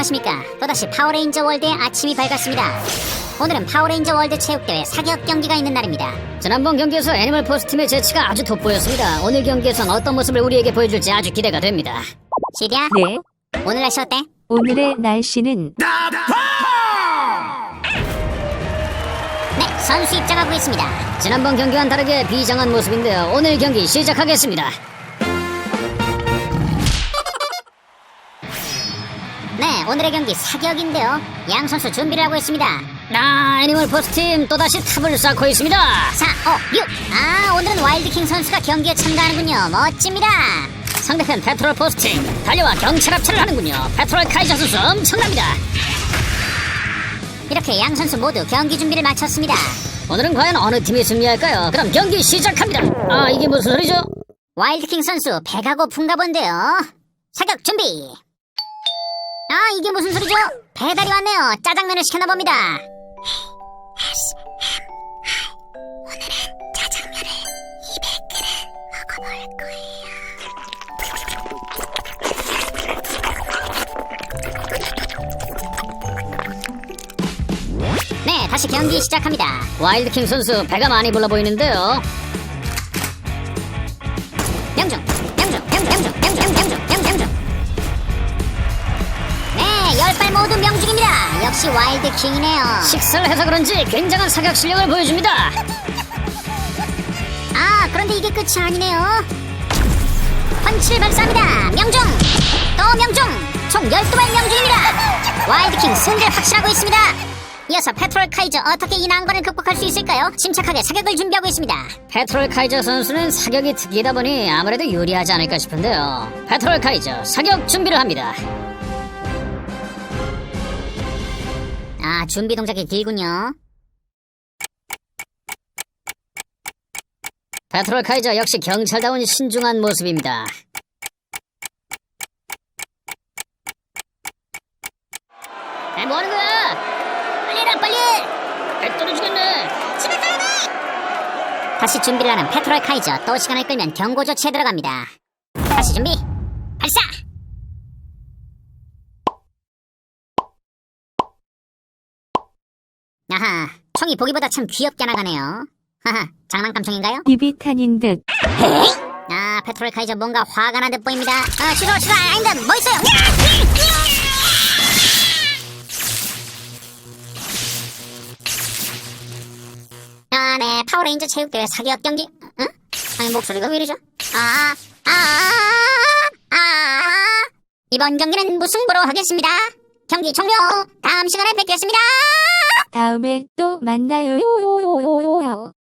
안녕하십니까. 또다시 파워레인저 월드의 아침이 밝았습니다. 오늘은 파워레인저 월드 체육대회 사격 경기가 있는 날입니다. 지난번 경기에서 애니멀 포스 팀의 재치가 아주 돋보였습니다. 오늘 경기에선 어떤 모습을 우리에게 보여줄지 아주 기대가 됩니다. 시디야, 네, 오늘 날씨 어때? 오늘의 날씨는 네, 선수 입장하고 있습니다. 지난번 경기와는 다르게 비장한 모습인데요. 오늘 경기 시작하겠습니다. 네, 오늘의 경기 사격인데요. 양 선수 준비를 하고 있습니다. 애니멀 포스 팀 또다시 탑을 쌓고 있습니다. 4, 5, 6. 오늘은 와일드킹 선수가 경기에 참가하는군요. 멋집니다. 상대편 페트롤 포스 팀 달려와 경찰 합체를 하는군요. 페트롤 카이저 선수 엄청납니다. 이렇게 양 선수 모두 경기 준비를 마쳤습니다. 오늘은 과연 어느 팀이 승리할까요? 그럼 경기 시작합니다. 이게 무슨 소리죠? 와일드킹 선수 배가 고픈가 본데요. 사격 준비. 이게 무슨 소리죠? 배달이 왔네요. 짜장면을 시켰나 봅니다. 오늘은 짜장면을 200g 먹어볼 거예요. 네, 다시 경기 시작합니다. 와일드킹 선수 배가 많이 불러 보이는데요. 명중. 네, 10발 모두 명중입니다. 역시 와일드킹이네요. 식사를 해서 그런지 굉장한 사격 실력을 보여줍니다. 그런데 이게 끝이 아니네요. 펀치를 발사합니다. 명중! 또 명중! 총 12발 명중입니다. 와일드킹 승리를 확신하고 있습니다. 이어서 페트롤 카이저, 어떻게 이 난관을 극복할 수 있을까요? 침착하게 사격을 준비하고 있습니다. 페트롤 카이저 선수는 사격이 특기이다 보니 아무래도 유리하지 않을까 싶은데요. 페트롤 카이저 사격 준비를 합니다. 준비 동작이 길군요. 페트롤 카이저 역시 경찰다운 신중한 모습입니다. 뭐하는 거야? 빨리 해라, 빨리! 배 떨어지겠네. 집에 가야 돼! 다시 준비를 하는 페트롤 카이저. 또 시간을 끌면 경고 조치에 들어갑니다. 다시 준비, 발사! 아하, 총이 보기보다 참 귀엽게 나가네요. 하하, 장난감 총인가요? 입이 타닌 듯. 페트롤 카이저 뭔가 화가 난 듯 보입니다. 취소, 아닌데, 뭐 있어요? 네, 파워레인저 체육대회 사격 경기. 응? 목소리가 왜 이러죠? 이번 경기는 무승부로 하겠습니다. 경기 종료. 다음 시간에 뵙겠습니다. 다음에 또 만나요.